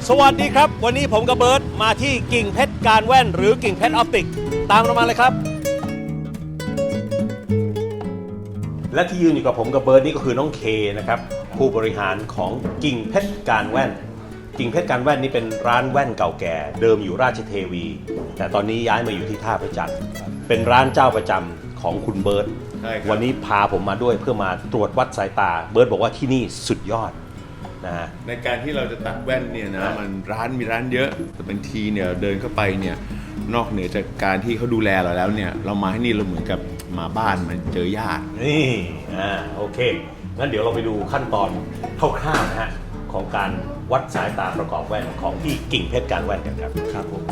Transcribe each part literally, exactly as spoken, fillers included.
สวัสดีครับวันนี้ผมกับเบิร์ตมาที่กิ่งเพชรการแว่นหรือกิ่งเพชรออปติกตามเรามาเลยครับและที่ยืนอยู่กับผมกับเบิร์ตนี่ก็คือน้องเคนะครับผู้บริหารของกิ่งเพชรการแว่นกิ่งเพชรการแว่นนี่เป็นร้านแว่นเก่าแก่เดิมอยู่ราชเทวีแต่ตอนนี้ย้ายมาอยู่ที่ท่าพระจันทร์เป็นร้านเจ้าประจำของคุณเบิร์ตวันนี้พาผมมาด้วยเพื่อมาตรวจวัดสายตาเบิร์ตบอกว่าที่นี่สุดยอดนะในการที่เราจะตัดแว่นเนี่ยนะมันร้านมีร้านเยอะแต่บางทีเนี่ยเดินเข้าไปเนี่ยนอกเหนือจากการที่เขาดูแลเราแล้วเนี่ยเรามาที่นี่เราเหมือนกับมาบ้านมันเจอญาตินี่อ่าโอเคงั้นเดี๋ยวเราไปดูขั้นตอนคร่าวๆนะฮะของการวัดสายตาประกอบแว่นของที่กิ่งเพชรการแว่นกันครับครับผม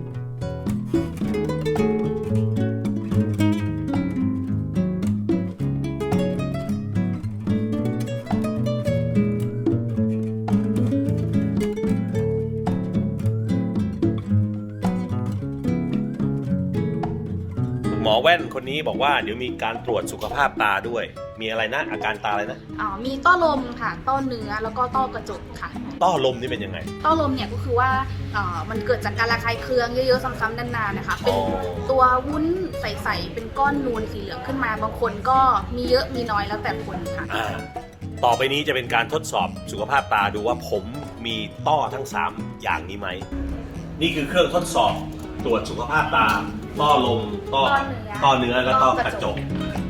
หมอแว่นคนนี้บอกว่าเดี๋ยวมีการตรวจสุขภาพตาด้วยมีอะไรนะอาการตาอะไรนะอ๋อมีต้อลมค่ะต้อเนื้อแล้วก็ต้อกระจกค่ะต้อลมนี่เป็นยังไงต้อลมเนี่ยก็คือว่าเอ่อมันเกิดจากการระคายเคืองเยอะๆซ้ำๆนานๆนะคะเป็นตัววุ้นใสๆเป็นก้อนนูนสีเหลืองขึ้นมาบางคนก็มีเยอะมีน้อยแล้วแต่คนค่ะอ่าต่อไปนี้จะเป็นการทดสอบสุขภาพตาดูว่าผมมีต้อทั้งสามอย่างนี้ไหมนี่คือเครื่องทดสอบตรวจสุขภาพตาต้อลมต้อต้อเนื้อและต้อกระจก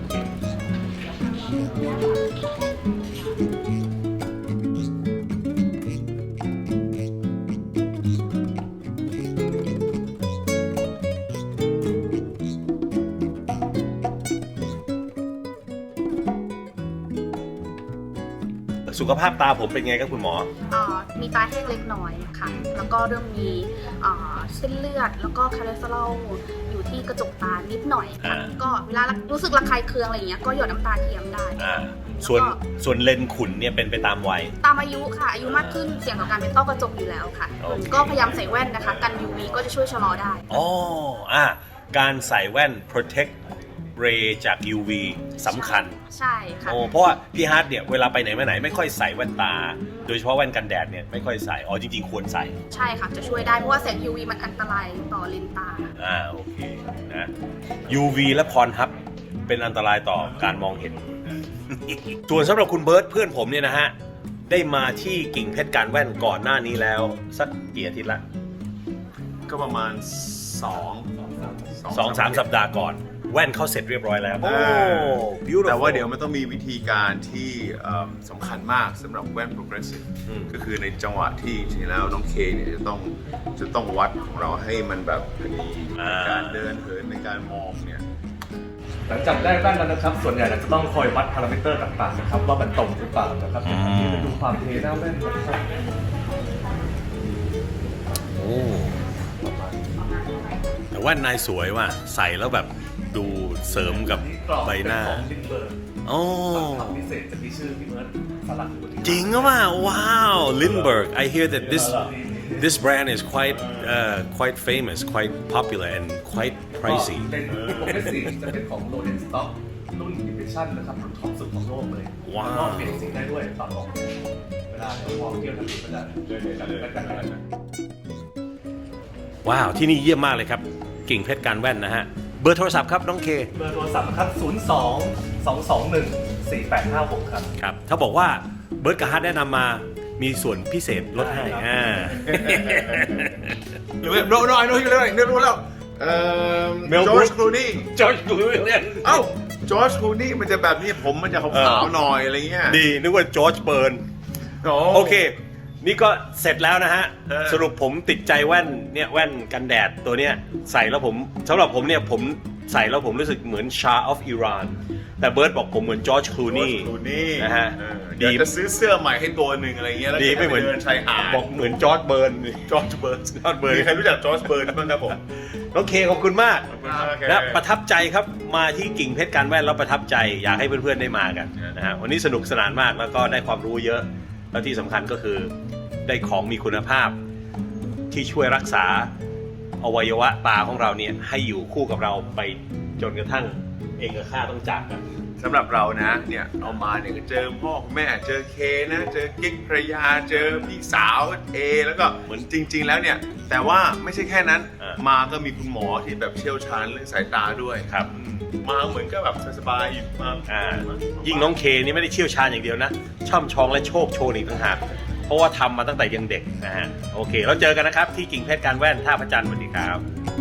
สุขภาพตาผมเป็นไงครับคุณหมออ่ามีตาแห้งเล็กน้อยค่ะแล้วก็เริ่มมีอ่าเส้นเลือดแล้วก็คอเลสเตอรอลอยู่ที่กระจกตานิดหน่อยค่ะก็เวลารู้สึกระคายเคืองอะไรอย่างเงี้ยก็หยดน้ำตาเทียมได้ส่วนส่วนเลนส์ขุ่นเนี่ยเป็นไปตามวัยตามอายุค่ะอายุมากขึ้นเสี่ยงต่อการเป็นต้อกระจกอยู่แล้วค่ะก็พยายามใส่แว่นนะคะกัน ยู วี ก็จะช่วยชะลอได้อ๋ออ่ะการใส่แว่น protect ray จาก ยู วี สำคัญใช่ค่ะโอ้เพราะว่าพี่ฮาร์ดเนี่ยเวลาไปไหนมาไหนไม่ค่อยใส่แว่นตาโดยเฉพาะแว่นกันแดดเนี่ยไม่ค่อยใส่อ๋อจริงๆควรใส่ใช่ค่ะจะช่วยได้เพราะว่าแสง ยู วี มันอันตรายต่อเลนส์ตาอ่าโอเคนะ ยู วี และพรฮับเป็นอันตรายต่อการมองเห็นส่วนสำหรับคุณเบิร์ตเพื่อนผมเนี่ยนะฮะได้มาที่กิ่งเพชรการแว่นก่อนหน้านี้แล้วสักกี่อาทิตย์ละก็ประมาณสองสองสามสัปดาห์ก่อนแว่นเข้าเสร็จเรียบร้อยแล้วโอ้แต่ว่าเดี๋ยวมันต้องมีวิธีการที่สำคัญมากสำหรับแว่น progressive ก็คือในจังหวะที่จริงๆแล้วน้องเคเนี่ยจะต้องจะต้องวัดของเราให้มันแบบพอดีในการเดินเหินในการมองเนี่ยหลังจากได้แว่นแล้วนะครับส่วนใหญ่เราจะต้องคอยวัดพารามิเตอร์ต่างๆนะครับว่ามันตรงหรือเปล่านะครับที่จะดูความเทหน้าแว่นนะครับโอ้แต่แว่นนายสวยว่ะใส่แล้วแบบดูเสริมกับใบหน้าโอ้พิเศษจะมีชื่อพี่เมิร์ดสลักจริงอ่ะว่าว้าว Lindbergh I hear that this this brand is quite uh, quite famous quite popular and quite pricey เป็นโปรเกรสซีฟจะเป็นของ Rolex Stock รุ่น Edition นะครับรุ่นท็อปสุดของโลกเลยว้าวเปลี่ยนสีได้ด้วยปรับออกเวลาเรามองเที่ยวทางนี้ก็จะเดินๆกันกันว้าวที่นี่เยี่ยมมากเลยครับกิ่งเพชรการแว่นนะฮะเบอร์โทรศัพท์ครับน้องเคเบอร์โทรศัพท์ครับศูนย์ สอง สอง สอง หนึ่ง สี่ แปด ห้า หกครับครับถ้าบอกว่าเบิร์ดกับฮาร์ดแนะนำมามีส่วนพิเศษลดให้อ่าหรือโน้โน้ไอ้โน้อยู่เลยเนี่ยรู้แล้วเอ่อจอร์จคลูนี่จอร์จคลูนี่เอ้าจอร์จคลูนี่มันจะแบบนี้ผมมันจะขาวๆหน่อยอะไรเงี้ยดีนึกว่าจอร์จเบิร์นโอเคนี่ก็เสร็จแล้วนะฮะสรุปผมติดใจแว่นเนี่ยแว่นกันแดดตัวเนี้ยใส่แล้วผมสำหรับผมเนี่ยผมใส่แล้วผมรู้สึกเหมือนชาออฟอิหร่านแต่เบิร์ดบอกผมเหมือนจอร์จคลูนี่นะฮะเดี๋ยวจะซื้อเสื้อใหม่ให้ตัวหนึ่งอะไรเงี้ยแล้วดีไม่เหมือนชายหาดบอกเหมือนจอร์จเบิร์นจอร์จเบิร์นจอร์จเบิร์นใครรู้จักจอร์จเบิร์นบ้างครับผมโอเคขอบคุณมากและประทับใจครับมาที่กิ่งเพชรการแว่นแล้วประทับใจอยากให้เพื่อนๆได้มากันนะฮะวันนี้สนุกสนานมากแล้วก็ได้ความรู้เยอะแล้วที่สำคัญก็คือได้ของมีคุณภาพที่ช่วยรักษาอวัยวะตาของเราเนี่ยให้อยู่คู่กับเราไปจนกระทั่งเองกับข้าต้องจากกันสำหรับเรานะเนี่ยเอามาเนี่ยก็เจอพ่อแม่เจอเคนะเจอกิ๊กภรรยาเจอพี่สาวเอแล้วก็เหมือนจริง ๆ แล้วเนี่ยแต่ว่าไม่ใช่แค่นั้นอ่ามาก็มีคุณหมอที่แบบเชี่ยวชาญเรื่องสายตาด้วยครับอืมมาเหมือนก็แบบสบายๆอยู่มาอ่ายิ่งน้องเคนี่ไม่ได้เชี่ยวชาญอย่างเดียวนะ ช่ำชองและโชคโชนอีกต่างหากเพราะว่าทำมาตั้งแต่ยังเด็กนะฮะโอเคแล้วเจอกันนะครับที่กิ่งเพชรการแว่นท่าพระจันทร์สวัสดีครับ